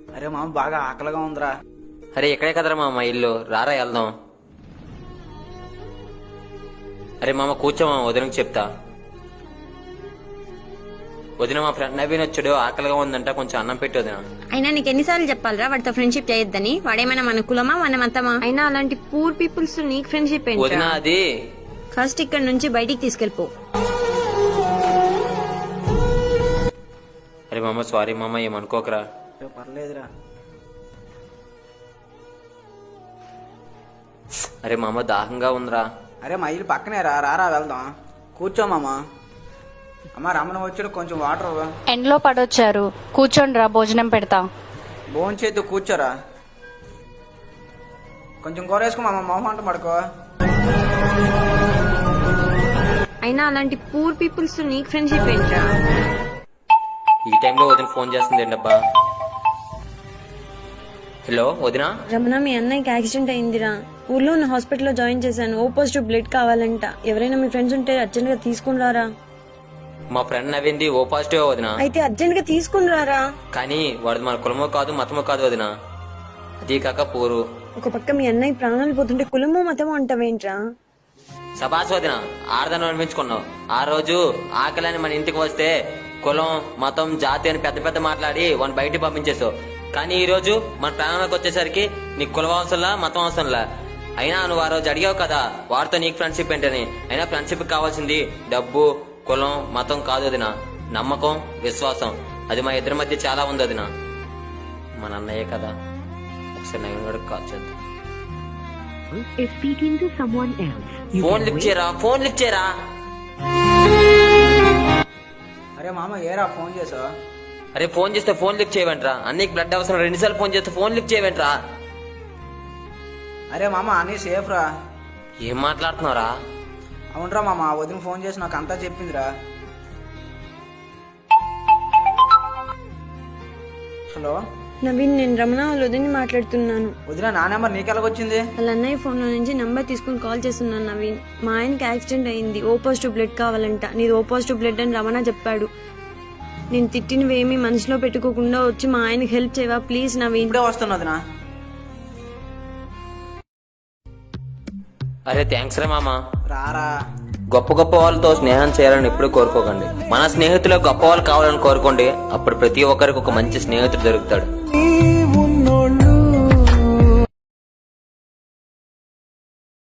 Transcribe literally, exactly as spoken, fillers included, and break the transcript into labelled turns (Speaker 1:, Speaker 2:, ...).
Speaker 1: అరే మామ బాగా ఆకలిగా ఉందిరా.
Speaker 2: అరే ఎక్కడే కదరా మామ ఇల్లు, రారా వెళ్దాం. అరే మామ కూర్చో మామ, వదినకి చెప్తా. వదిన మా ఫ్రెండ్ నవీన్ వచ్చాడు, ఆకలిగా ఉందంట, కొంచెం అన్నం పెట్టి వదిన.
Speaker 3: అయినా నీకు ఎన్నిసార్లు చెప్పాలరా వాడితో ఫ్రెండ్షిప్ చేయొద్దని? వాడేమైనా మన కులమా మన మతమా? అయినా అలాంటి పూర్ పీపుల్స్ తో నీకు ఫ్రెండ్షిప్
Speaker 2: వదిన
Speaker 3: ఏంటి?
Speaker 2: అది
Speaker 3: ఫస్ట్ ఇక్కడ నుంచి బయటికి తీసుకెళ్ళిపో.
Speaker 2: అరే మామ సారీ మామ, ఏమనుకోకరా.
Speaker 1: ఏ పర్లేదురా.
Speaker 2: అరే మామ దాహంగా ఉందిరా.
Speaker 1: అరే మా ఇల్లు పక్కనే రా, రారా వెళ్దాం. కూర్చో మామ. అమ్మ రమణ వచ్చాడు, కొంచెం వాటర్ ఇవ్వు.
Speaker 4: ఎండ్లో పడొచ్చారు, కూర్చోండి రా, భోజనం పెడతా.
Speaker 1: భోజనం చేద్దు, కూర్చోరా. కొంచెం కూర వేసుకో మామ, మొహం అంట పడుకో.
Speaker 3: అయినా అలాంటి పూర్ పీపుల్స్ తో నీకు ఫ్రెండ్షిప్ ఏంట్రా?
Speaker 2: ఈ టైంలో వదిన ఫోన్ చేస్తుంది ఏంటబ్బా. హలో వదిన.
Speaker 3: రమణ, మీ అన్నయ్యకి యాక్సిడెంట్ అయిందిరా. ఊర్లో ఉన్న హాస్పిటల్లో జాయిన్ చేశాను. ఓ పాజిటివ్ బ్లడ్ కావాలంట. ఎవరైనా మీ ఫ్రెండ్స్ ఉంటే అర్జెంట్ గా తీసుకుని రారా.
Speaker 2: మా ఫ్రెండ్ నవ్వింది ఓ పాజిటివ్ వదిన.
Speaker 3: అయితే అర్జెంట్ గా తీసుకుని రారా.
Speaker 2: కానీ వాడు మన కులమో కాదు మతమో కాదు వదిన, అది కాక పూరు.
Speaker 3: ఒక పక్క మీ అన్నయ్య ప్రాణాలు పోతుంటే కులమో మతమో అంటావేంట్రా?
Speaker 2: సబాస్ వదిన, ఆడదాన్ని అనిపించుకున్నావు. ఆ రోజు ఆకలని మన ఇంటికి వస్తే కులం మతం జాతి అని పెద్ద పెద్ద మాట్లాడి వాడిని బయటికి పంపించేసావు. కానీ ఈ రోజు మన ప్రాణానికి వచ్చేసరికి నీకు కులం అవసరంలా మతం అవసరంలా. అయినా నువ్వు ఆ రోజు అడిగావు కదా వాడితో నీకు ఫ్రెండ్షిప్ ఏంటని. అయినా ఫ్రెండ్షిప్ కావాల్సింది డబ్బు కులం మతం కాదు వదిన, నమ్మకం విశ్వాసం. అది మా ఇద్దరి మధ్య చాలా ఉంది వదిన. మన అన్నయ్యే కదా, ఒకసారి నవీన్ గడికి కాల్ చేద్దాం.
Speaker 5: is speaking to someone else. You
Speaker 2: phone
Speaker 5: can
Speaker 2: lift
Speaker 5: wait.
Speaker 2: చేయరా, ఫోన్ లిఫ్ట్ చేయరా.
Speaker 1: అరే మామ ఏరా ఫోన్ చేసా?
Speaker 2: అరే ఫోన్ చేస్తే ఫోన్ లిఫ్ట్ చేయవంట్రా. అన్నీకి బ్లడ్ అవసరం, రెండుసార్లు ఫోన్ చేస్తే ఫోన్ లిఫ్ట్ చేయవంట్రా.
Speaker 1: అరే మామ అన్నీ సేఫ్ రా.
Speaker 2: ఏం మాట్లాడుతున్నావురా?
Speaker 1: అవునరా మామ, వదిన ఫోన్ చేసి నాకు అంతా చెప్పిందిరా. హలో
Speaker 3: నవీన్, నేను రమణ వాళ్ళ వదిని మాట్లాడుతున్నాను.
Speaker 1: వదిన, నా నెంబర్ నీకెలాగొచ్చింది?
Speaker 3: వాళ్ళ అన్నయ్య ఫోన్ లో నుంచి నంబర్ తీసుకుని కాల్ చేస్తున్నాను. నవీన్, మా ఆయనకి యాక్సిడెంట్ అయింది, ఓ పాజిటివ్ బ్లడ్ కావాలంట. నీది ఓ పాజిటివ్ బ్లడ్ అని రమణ చెప్పాడు. నేను తిట్టినవేమి మనసులో పెట్టుకోకుండా వచ్చి మా ఆయనకి హెల్ప్ చేయవా ప్లీజ్ నవీన్?
Speaker 1: ఇప్పుడే వస్తున్నా వదిన.
Speaker 2: అరే థ్యాంక్స్ రా మామ.
Speaker 1: రారా.
Speaker 2: గొప్ప గొప్ప వాళ్ళతో స్నేహం చేయాలని ఎప్పుడు కోరుకోకండి. మన స్నేహితులకు గొప్ప వాళ్ళు కావాలని కోరుకోండి. అప్పుడు ప్రతి ఒక్కరికి ఒక మంచి స్నేహితుడు దొరుకుతాడు.